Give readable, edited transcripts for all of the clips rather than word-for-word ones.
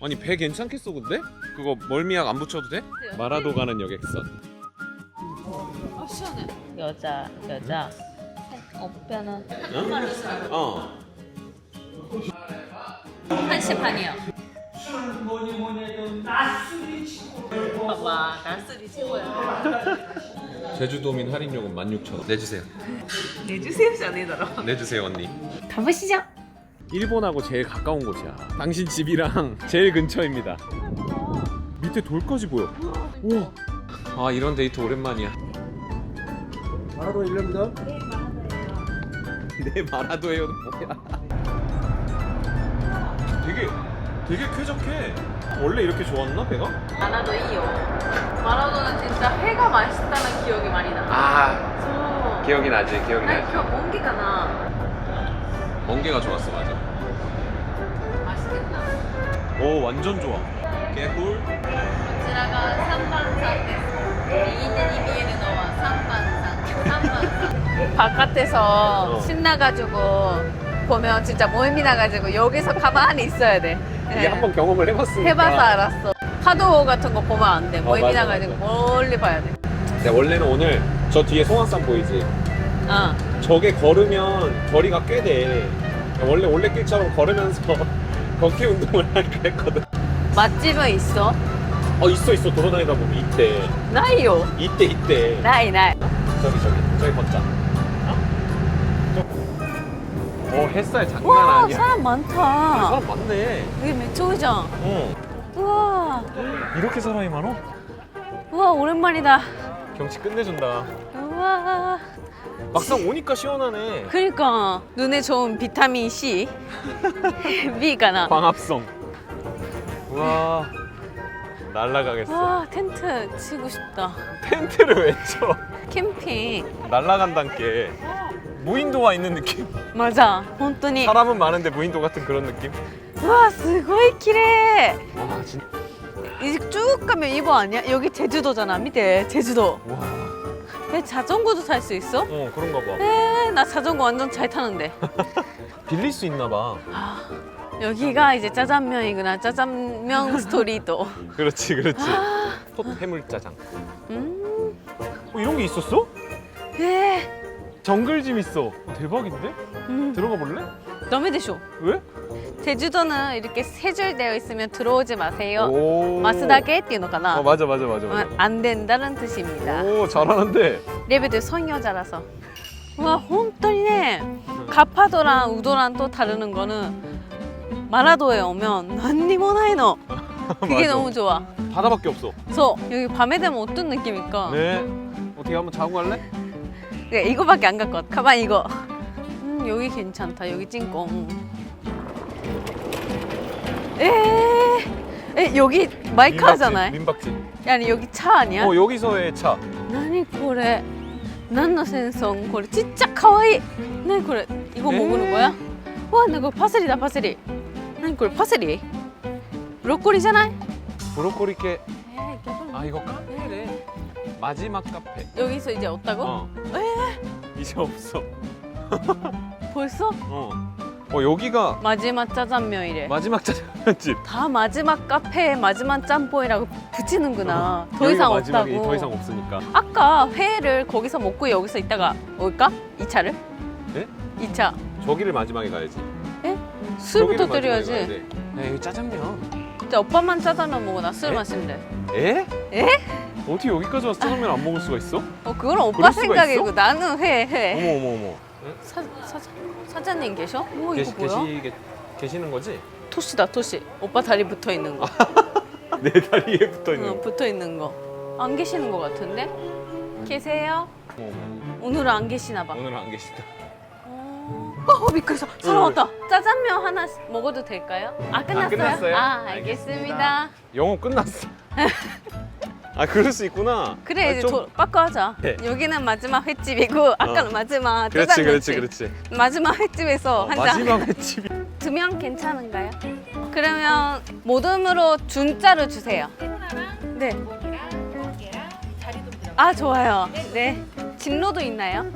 아니 배 괜찮겠어 근데? 그거 멀미약 안 붙여도 돼? 마라도 가는 여객선. 아 시원해. 여자. 오빠는 어. 1시 반이요. 봐봐, 낮술이 최고야. 제주도민 할인요금 16,000원. 내주세요. 내주세요지 아니더라. 내주세요 언니. 가보시죠. 일본하고 제일 가까운 곳이야. 당신 집이랑 제일 근처입니다. 밑에 돌까지 보여. 우와. 아 이런 데이트 오랜만이야. 마라도 일렙니다. 네 마라도예요 뭐야? 되게 쾌적해. 원래 이렇게 좋았나 배가? 마라도 이요. 마라도는 진짜 회가 맛있다는 기억이 많이 나. 아 기억이 나지 기억이 난 나지. 기억 몽기가 나. 멍게가 좋았어 맞아. 맛있겠다. 오 완전 좋아. 개꿀. こちらが3番さんです。右手に見えるのは3番さん。3番さん。 바깥에서 신나가지고 보면 진짜 멀미 나가지고 여기서 가만히 있어야 돼. 이게 한번 경험을 해봤으니까. 해봐서 알았어. 파도 같은 거 보면 안 돼. 멀미 맞아, 나가지고 맞아. 멀리 봐야 돼. 네, 원래는 오늘 저 뒤에 송악산 보이지? 어. 저게 걸으면 거리가 꽤 돼. 원래 올레길처럼 걸으면서 걷기 운동을 할까 했거든. 맛집은 있어? 있어 돌아다니다 보면 이때 나이요. 이때 나이. 저기 걷자. 햇살 장난 와 아니야. 사람 많다. 사람 많네. 여기 맥주장. 어. 우와. 이렇게 사람이 많어? 우와 오랜만이다. 경치 끝내준다. 우와. 막상 오니까 시원하네. 그러니까 눈에 좋은 비타민 C, B가 나. 광합성. 우와 날라가겠어. 와 텐트 치고 싶다. 텐트를 왜 쳐? 캠핑. 날라간단 게 무인도와 있는 느낌. 맞아. 本当に. 사람은 많은데 무인도 같은 그런 느낌. 와, すごい綺麗. 와 진짜. 이제 쭉 가면 이거 아니야? 여기 제주도잖아. 밑에 제주도. 와. 왜 자전거도 탈 수 있어? 그런가 봐. 나 자전거 완전 잘 타는데. 빌릴 수 있나 봐. 여기가 이제 짜장면이구나. 짜장면 스토리도. 그렇지. 톳 해물짜장. 이런 게 있었어? 네. 정글짐 있어. 대박인데? 들어가 볼래? 너무 되쇼. 왜? 제주도는 이렇게 세 줄 되어 있으면 들어오지 마세요. 오. 마스다게っていうのかな? 맞아. 안 된다는 뜻입니다. 오 잘하는데. 레벨도 성여자라서. 와, 本当にね, 가파도랑 우도랑 또 다르는 거는 마라도에 오면 何にもないの. 그게 맞아. 너무 좋아. 바다밖에 없어. 그래서 여기 밤에 되면 어떤 느낌일까? 네. 어떻게 한번 자고 갈래? 그래, 이거밖에 안 갖고 왔. 가만 이거. 여기 괜찮다. 여기 찐꽁. 여기 마이크 하잖아. 민박집. 아니 여기 차 아니야? 여기서의 차. 何これ? 何の戦争?これ진짜 가와이. 何これ? 이거 먹는 거야? 와, 나 이거 파슬리다 파슬리. 何これ? 파슬리? 브로콜리잖아? 브로콜리케. 아 이거 카페래. 마지막 카페. 여기서 이제 없다고? 이제 없어. 벌써? 여기가 마지막 짜장면이래. 마지막 짜장면집. 다 마지막 카페에 마지막 짬뽕이라고 붙이는구나. 더 이상 마지막이 없다고. 더 이상 없으니까. 아까 회를 거기서 먹고 여기서 있다가 올까? 2차를? 네? 2차. 저기를 마지막에 가야지. 에? 술부터 저기를 마지막에 드려야지. 가야 돼. 여기 짜장면. 진짜 오빠만 짜장면 먹어. 나 술 마시면 돼. 에? 에? 어떻게 여기까지 와서 짜장면 안 먹을 수가 있어? 그건 오빠 그럴 수가 생각이고 있어? 나는 회. 어머. 사장님 계셔? 이거 뭐야? 계시는 거지? 토시다 토시. 오빠 다리 붙어 있는 거. 내 다리에 붙어 있는 거. 붙어 있는 거. 안 계시는 거 같은데? 계세요? 어머. 오늘은 안 계시나 봐. 오늘은 안 계시다. 미끄러서 사람 왔다. 짜장면 하나 먹어도 될까요? 끝났어요? 끝났어요? 알겠습니다. 영어 끝났어. 그럴 수 있구나. 그래, 이제 좀... 바꿔하자. 네. 여기는 마지막 횟집이고 아까는 마지막 그렇지. 짜장면집. 마지막 횟집에서 한 잔. 마지막 횟집이. 2명 괜찮은가요? 그러면 모듬으로 준자를 주세요. 네. 좋아요. 네. 진로도 있나요?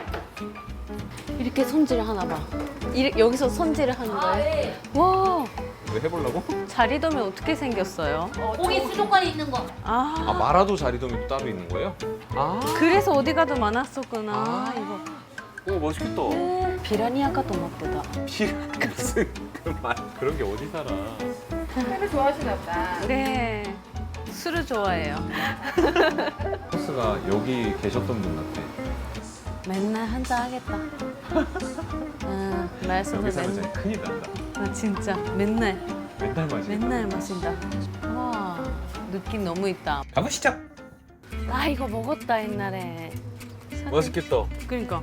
이렇게 손질을 하나 봐. 여기서 손질을 하는 거예요? 와. 왜 해보려고? 자리돔이 어떻게 생겼어요? 고기 수족관에 있는 거. 아 마라도 자리돔이 따로 있는 거예요? 아. 그래서 어디 가도 많았었구나. 아. 이거. 오 멋있겠다. 비라니아가 또 먹보다. 무슨 그말 그런 게 어디 살아? 술을 좋아하시나 보다. 네. 술을 좋아해요. 코스가 여기 계셨던 분 같아. 맨날 한잔 하겠다. 응, 말씀도 여기 살면 맨날. 진짜 큰일 난다. 아 진짜 맨날 맨날 마신다. 와 느낌 너무 있다. 가보시죠. 아 이거 먹었다 옛날에. 맛있겠다. 그러니까.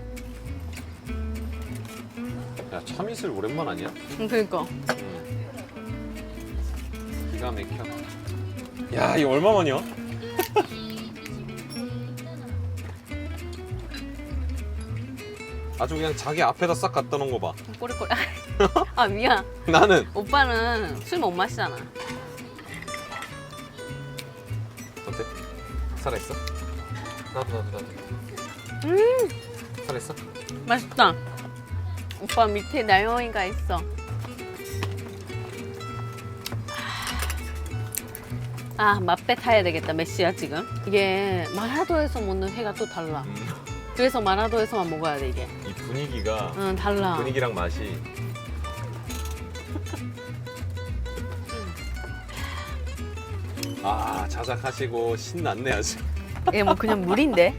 야 참이슬 오랜만 아니야? 응 그러니까. 기가 막혀. 야 이거 얼마만이야? 아주 그냥 자기 앞에다 싹 갖다 놓은 거 봐. 꼬리꼬리. 아 미안. 나는 오빠는 술 못 마시잖아. 어때? 살아있어? 나도. 살아있어? 맛있다. 오빠 밑에 나영이가 있어. 아 맛배 타야 되겠다. 몇 시야 지금? 이게 마라도에서 먹는 회가 또 달라. 그래서 마라도에서만 먹어야 돼 이게. 이 분위기가 응 달라. 분위기랑 맛이 아 자작하시고 신났네 아주. 얘 뭐 그냥 물인데?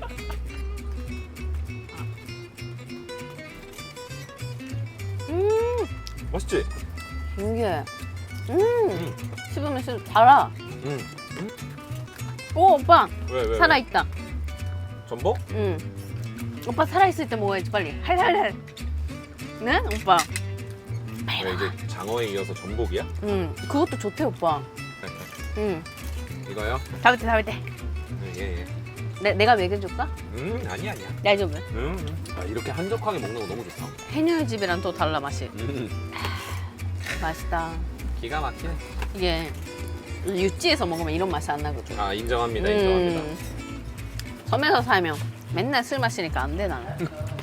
맛있지? 이게 씹으면 씹으면 달아. 응. 오 오빠 왜? 살아있다. 전복? 응. 오빠 살아있을 때 먹어야지 빨리. 할할할. 네 오빠. 왜 이제 장어에 이어서 전복이야? 응 그것도 좋대 오빠. 응. 이거요? 잡을 때. 예. 내가 먹여줄까? 아니야. 날 좀. 아, 이렇게 한적하게 먹는 거 너무 좋다. 해녀의 집이랑 또 달라 맛이. 맛있다. 기가 막히네. 이게 육지에서 먹으면 이런 맛이 안 나거든. 아 인정합니다. 인정합니다. 섬에서 살면 맨날 술 마시니까 안 돼 나는.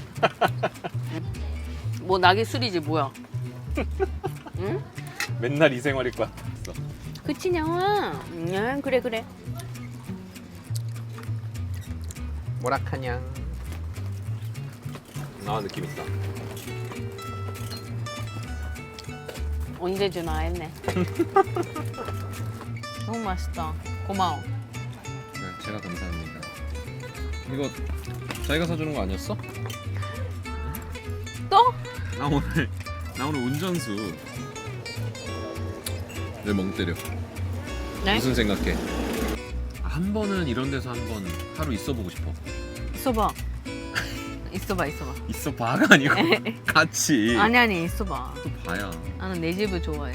뭐 낙이 술이지 뭐야. 응? 맨날 이 생활일 것 같았어. 그치 냥아. 그래. 뭐라카냥. 아 느낌 있다. 언제 주나 했네. 너무 맛있다. 고마워. 네, 제가 감사합니다. 이거 자기가 사주는 거 아니었어? 또? 나 오늘 운전수. 왜 멍 때려? 네? 무슨 생각해? 한 번은 이런 데서 한 번 하루 있어보고 싶어. 있어봐. 있어봐. 있어 봐가 아니고 같이. 아니 있어봐. 또 봐야. 나는 내 집을 좋아해.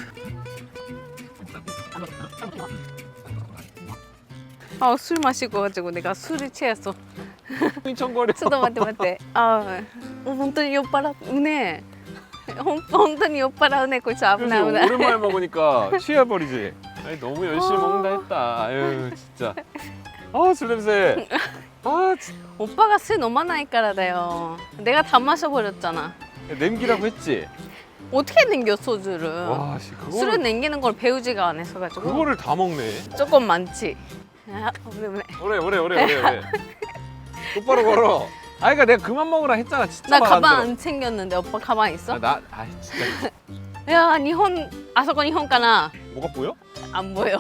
아 술 마시고 가지고 내가 술이 취했어. 휘청거려. ちょっと待って待って。あ本当に酔っ払うね。本当に酔っ払うね。こいつ危ない危 그래서 ない。 오랜만에 먹으니까 취해버리지. 아니 너무 열심히 먹는다 했다. 아유 진짜. 술 냄새. 진짜. 오빠가 술 飲まないからだよ. 내가 다 마셔버렸잖아. 냄기라고 했지. 어떻게 남겨 소주를? 와, 씨, 술을 남기는 걸 배우지가 않아서 가지고. 그거를 다 먹네. 조금 많지. 아, 왜. 오래. 똑바로 걸어. 그러니까 내가 그만 먹으라 했잖아. 진짜 나 말 안 가방 들어. 안 챙겼는데 오빠 가방 있어? 진짜. 야, 일본, 아서거 일본 가나? 뭐가 보여? 안 보여.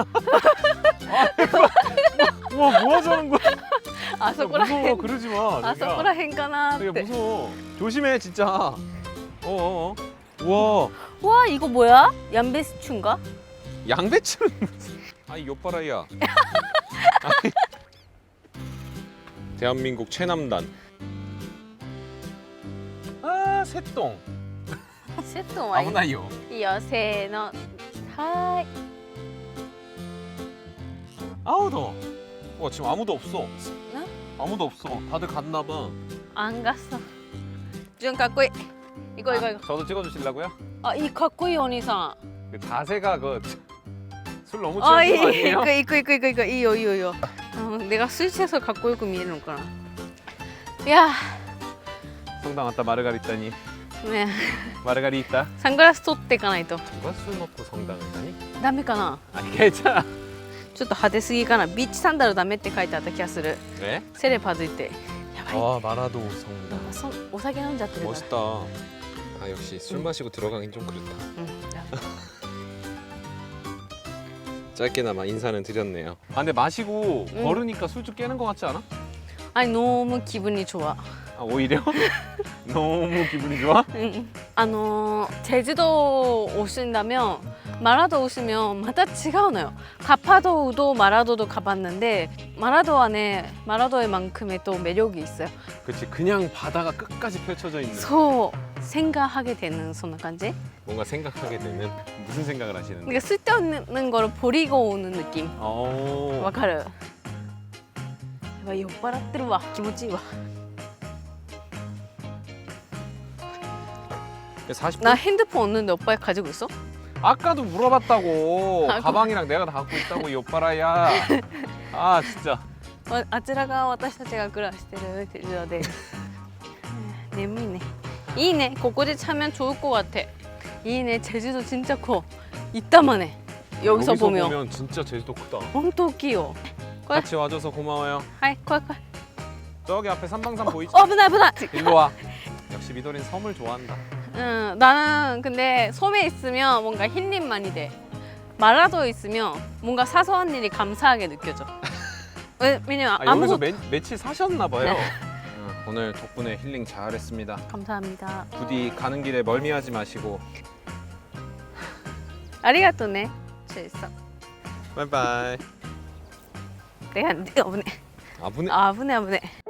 와, 뭐 하자는 거야? 아서코라 무서워, 행, 그러지 마. 아서코라 행 가나? 되게 って. 무서워. 조심해, 진짜. 우와. 와, 이거 뭐야? 얀베스춘가? 양배추는 무슨. 아이, 요빠라이야. 대한민국 최남단. 새똥. 세트 와인. 아무나요. 여세노. 하이. 아우 더워. 와 지금 아무도 없어. 응? 아무도 없어. 다들 갔나 봐. 안 갔어. 좀 가꾸이. 이거. 저도 찍어주시려고요? 아, 이 가꾸이 언니상. 그 자세가 술 너무 취한 거 아니에요? 이거. 이요. 내가 술 취해서 갖고 있고 미는 거라. 야, 성당 왔다 마르가리따니. ね 마르가리타. サングラス取っていかないと 누가 술 먹고 성당을 가니? ダメかな 아니 괜찮아. ちょっと派手すぎかなビーチサンダルダメって書いてあった気がする 그래? セレパズってやばい 와 마라도 성당. お酒飲んじゃってるから 멋있다. 아 역시 술 마시고 들어가긴 좀 그렇다. うん 짧게나마 인사는 드렸네요. 아 근데 마시고 응. 걸으니까 술좀 깨는 것 같지 않아? 아니 너무 기분이 좋아 아 오히려? 너무 기분이 좋아? 제주도 오신다면 마라도 오시면 마다 違うのよ 가파도도 마라도도 가봤는데 마라도의 만큼의 또 매력이 있어요 그치 그냥 바다가 끝까지 펼쳐져 있는 소 생각하게 되는 そんな感じ 뭔가 생각하게 되는 무슨 생각을 하시는데? 그러니까 쓸데없는 거를 버리고 오는 느낌 오. わかるやばい酔っ払ってるわ気持ちいいわ 40분? 나 핸드폰 없는데 오빠 가지고 있어? 아까도 물어봤다고. 아, 가방이랑 내가 다 갖고 있다고 이 오빠라야. 아 진짜. あちらが私たちが暮らしてる手錠です眠いねいいねここで자면 좋을 것 같아いいね 제주도 진짜 커 이따만해 여기서 보면 진짜 제주도 크다. 엄청 커요 같이 와줘서 고마워요. 하이 콜콜 저기 앞에 삼방산 보이지? 어브나 일로 와. 역시 미도린 섬을 좋아한다. 응 나는 근데 섬에 있으면 뭔가 힐링 많이 돼 마라도에 있으면 뭔가 사소한 일이 감사하게 느껴져 왜냐면 아, 여기서 아무것도 며칠 사셨나 봐요. 네. 오늘 덕분에 힐링 잘했습니다. 감사합니다 부디 가는 길에 멀미하지 마시고. ありがとうね됐어 바이바이. 내가 안 돼, 아부네. 아브네